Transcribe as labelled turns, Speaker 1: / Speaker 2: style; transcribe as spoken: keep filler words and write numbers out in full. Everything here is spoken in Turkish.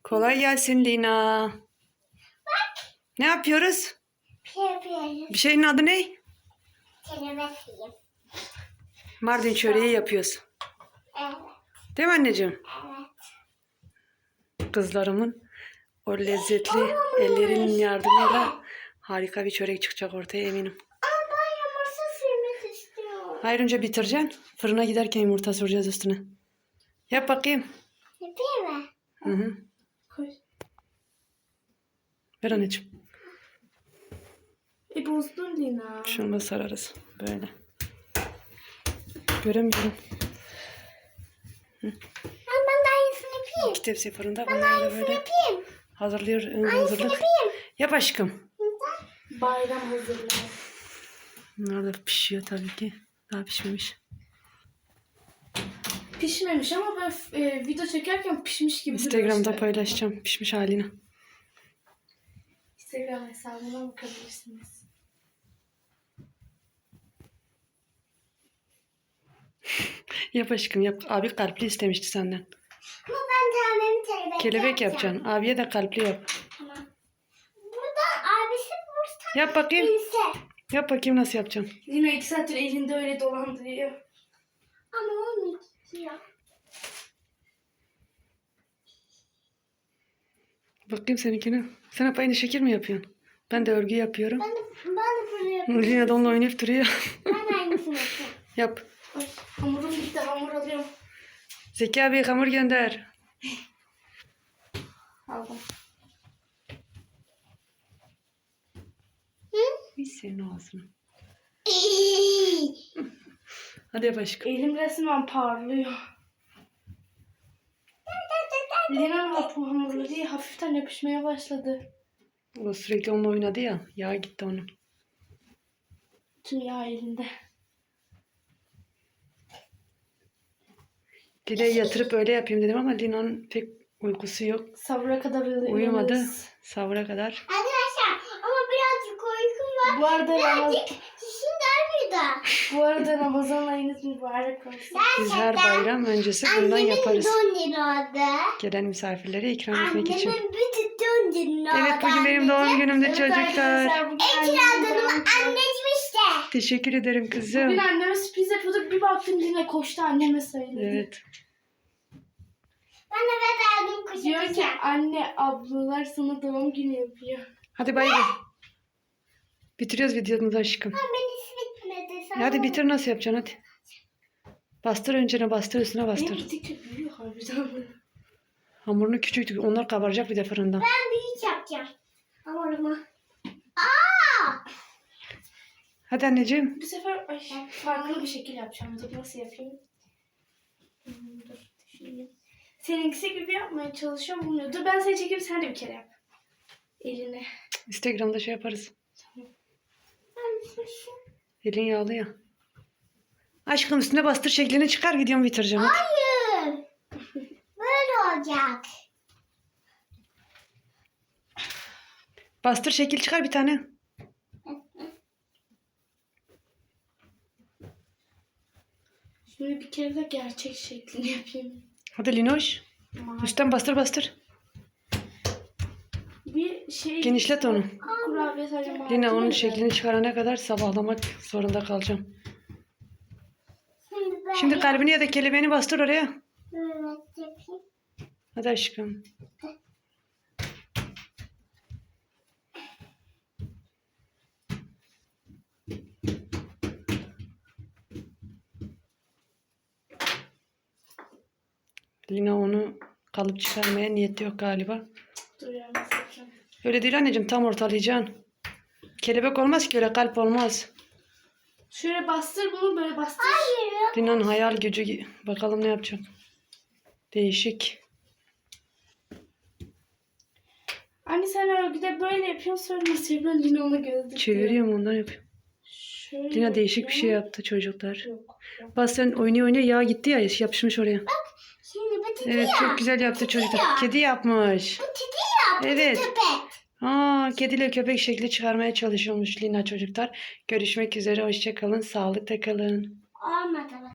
Speaker 1: Kolay gelsin Lina. Ne yapıyoruz?
Speaker 2: şey yapıyoruz.
Speaker 1: Bir şeyin adı ne?
Speaker 2: Kelebek yiyeyim.
Speaker 1: Mardin çöreği yapıyoruz.
Speaker 2: Evet.
Speaker 1: Değil mi anneciğim?
Speaker 2: Evet.
Speaker 1: Kızlarımın o lezzetli ellerinin yardımıyla harika bir çörek çıkacak ortaya eminim.
Speaker 2: Ama ben yumurta sürmek istiyorum.
Speaker 1: Hayır, önce bitireceksin. Fırına giderken yumurta süreceğiz üstüne. Yap bakayım.
Speaker 2: Yapayım mı?
Speaker 1: Hı hı.
Speaker 2: Koy.
Speaker 1: Ver anneciğim.
Speaker 2: E bozdun Lina.
Speaker 1: Şunu da sararız. Böyle. Göremiyorum.
Speaker 2: Ben, ben de aynısını yapayım.
Speaker 1: İki tepsi fırında.
Speaker 2: Ben de
Speaker 1: Bunları da
Speaker 2: aynısını
Speaker 1: böyle
Speaker 2: yapayım.
Speaker 1: hazırlıyor. ıı,
Speaker 2: Aynısını
Speaker 1: Hazırlık.
Speaker 2: yapayım.
Speaker 1: Yap aşkım.
Speaker 2: Bayram hazırlığı.
Speaker 1: Bunlar da pişiyor tabii ki. Daha pişmemiş.
Speaker 3: Pişmemiş ama ben e, video çekerken pişmiş gibi duruyor
Speaker 1: Instagram'da
Speaker 3: işte.
Speaker 1: paylaşacağım pişmiş halini.
Speaker 3: Instagram hesabına bakabilirsiniz.
Speaker 1: Yap aşkım yap. Abi kalpli istemişti senden.
Speaker 2: Ama ben tamamen kelebek
Speaker 1: Kelebek
Speaker 2: yapacağım.
Speaker 1: yapacaksın. Abiye de kalpli yap.
Speaker 2: Tamam. Burada abisi burada.
Speaker 1: Yap bakayım.
Speaker 2: Bilse.
Speaker 1: Yap bakayım nasıl yapacaksın.
Speaker 3: Lina iki saattir elinde öyle dolandırıyor.
Speaker 2: Ama olmuyor.
Speaker 1: Bakayım seninkine. Sen hep aynı şekil mi yapıyorsun? Ben de örgü yapıyorum.
Speaker 2: Ben de, ben de böyle yapıyorum.
Speaker 1: Lina da onunla oynayıp duruyor.
Speaker 2: Ben aynısını yapıyorum.
Speaker 1: Yap.
Speaker 3: Ay, hamurum bitti, hamur alıyorum.
Speaker 1: Zeki abi hamur gönder.
Speaker 3: Aldım.
Speaker 1: Bir senin ağzını. Hadi yap aşkım.
Speaker 3: Elim resmen parlıyor. Lina'nın hapı hamurlu değil, hafiften yapışmaya başladı.
Speaker 1: O sürekli onunla oynadı ya. Yağ gitti onun.
Speaker 3: Tüm yağ elinde.
Speaker 1: Dileği yatırıp öyle yapayım dedim ama Lina'nın pek uykusu yok.
Speaker 3: Sabra kadar uyanırız.
Speaker 1: Uyumadı. Sahura kadar.
Speaker 2: Arkadaşlar ama birazcık uykum var.
Speaker 3: Bu arada Ramazan,
Speaker 2: Birazcık kişinin burada.
Speaker 3: bu arada Ramazan ayınız mübarek olsun.
Speaker 1: Biz her bayram öncesi bundan
Speaker 2: Annemin
Speaker 1: yaparız.
Speaker 2: doğum günü oldu.
Speaker 1: Gelen misafirlere ikram etmek için.
Speaker 2: Annemin bütün doğum günü oldu.
Speaker 1: Evet, bugün benim doğum günümde
Speaker 3: Evet
Speaker 1: çocuklar.
Speaker 3: arkadaşlar, bugün
Speaker 2: En
Speaker 3: annemin
Speaker 2: kiradığım
Speaker 3: doğum günü.
Speaker 2: anneciğim işte.
Speaker 1: Teşekkür ederim kızım.
Speaker 3: Bugün anneme sürpriz yapıyorduk. Bir baktım yine koştu anneme söyledi.
Speaker 1: Evet.
Speaker 2: Ben eve verdim kuşu
Speaker 3: Diyor ki
Speaker 2: kuşu.
Speaker 3: anne ablalar sana doğum günü yapıyor.
Speaker 1: Hadi bay bay. Bitiriyoruz videomuzu aşkım.
Speaker 2: Ama ben hiç bitmedi. Sana
Speaker 1: Hadi bitir, nasıl yapacaksın hadi. Bastır, öncene bastır, üstüne
Speaker 3: Benim
Speaker 1: bastır.
Speaker 3: gittikçe büyüyor harbiden.
Speaker 1: Hamurunu küçük, onlar kabaracak bir de fırında.
Speaker 2: Ben büyük yapacağım. Hamurumu. Aa!
Speaker 1: Hadi anneciğim.
Speaker 3: Bu sefer ay, farklı bir şekil yapacağım. Dur nasıl yapayım? Hmm, Dur düşüneyim. Seninkisi gibi yapmaya çalışıyorum. Bunu. Dur ben seni çekeyim, sen de bir kere yap. Eline.
Speaker 1: Instagram'da şey yaparız.
Speaker 2: Ben kuşu.
Speaker 1: Elin yağlı ya. Aşkım üstüne bastır, şeklini çıkar, gidiyorum bitireceğim. Hadi.
Speaker 2: Hayır. Böyle olacak.
Speaker 1: Bastır, şekil çıkar bir tane.
Speaker 3: Şimdi bir kere de gerçek şeklini yapayım.
Speaker 1: Hadi Linoş.
Speaker 3: Ama
Speaker 1: Üstten bastır bastır.
Speaker 3: bir şey...
Speaker 1: Genişlet onu.
Speaker 3: Kurabiye sadece malzeme
Speaker 1: Lina onun
Speaker 3: de.
Speaker 1: şeklini çıkarana kadar sabahlamak zorunda kalacağım.
Speaker 2: Şimdi ben
Speaker 1: Şimdi kalbini ya da kelebeğini bastır oraya.
Speaker 2: böyle yapayım.
Speaker 1: Hadi aşkım. Lina onu kalıp çıkarmaya niyeti yok galiba.
Speaker 3: Dur ya nasıl yapacağım?
Speaker 1: Öyle değil anneciğim, tam ortalayacaksın. Kelebek olmaz ki, öyle kalp olmaz.
Speaker 3: Şöyle bastır bunu, böyle bastır.
Speaker 2: Hayır.
Speaker 1: Lina'nın hayal gücü, bakalım ne yapacak. Değişik.
Speaker 3: Anne sen örgüde böyle yapıyorsun, sonra nasıl yapıyorsun? Lina ona gözlük
Speaker 1: Çeviriyorum, ondan yapıyorum.
Speaker 3: Şöyle
Speaker 1: Lina değişik bir şey
Speaker 3: yapıyorum.
Speaker 1: yaptı çocuklar.
Speaker 3: Yok. yok.
Speaker 1: Bak sen oynuyor oynuyor yağ gitti ya, yapışmış oraya.
Speaker 2: Şimdi bu titi
Speaker 1: Evet,
Speaker 2: ya.
Speaker 1: çok güzel yaptı çocuklar.
Speaker 2: ya.
Speaker 1: Kedi yapmış.
Speaker 2: Bu titi ya. Bu
Speaker 1: Evet.
Speaker 2: köpek.
Speaker 1: Aa, kediyle köpek şekli çıkarmaya çalışıyormuş Lina çocuklar. Görüşmek üzere, hoşça kalın, sağlıkla kalın.
Speaker 2: Olmadı.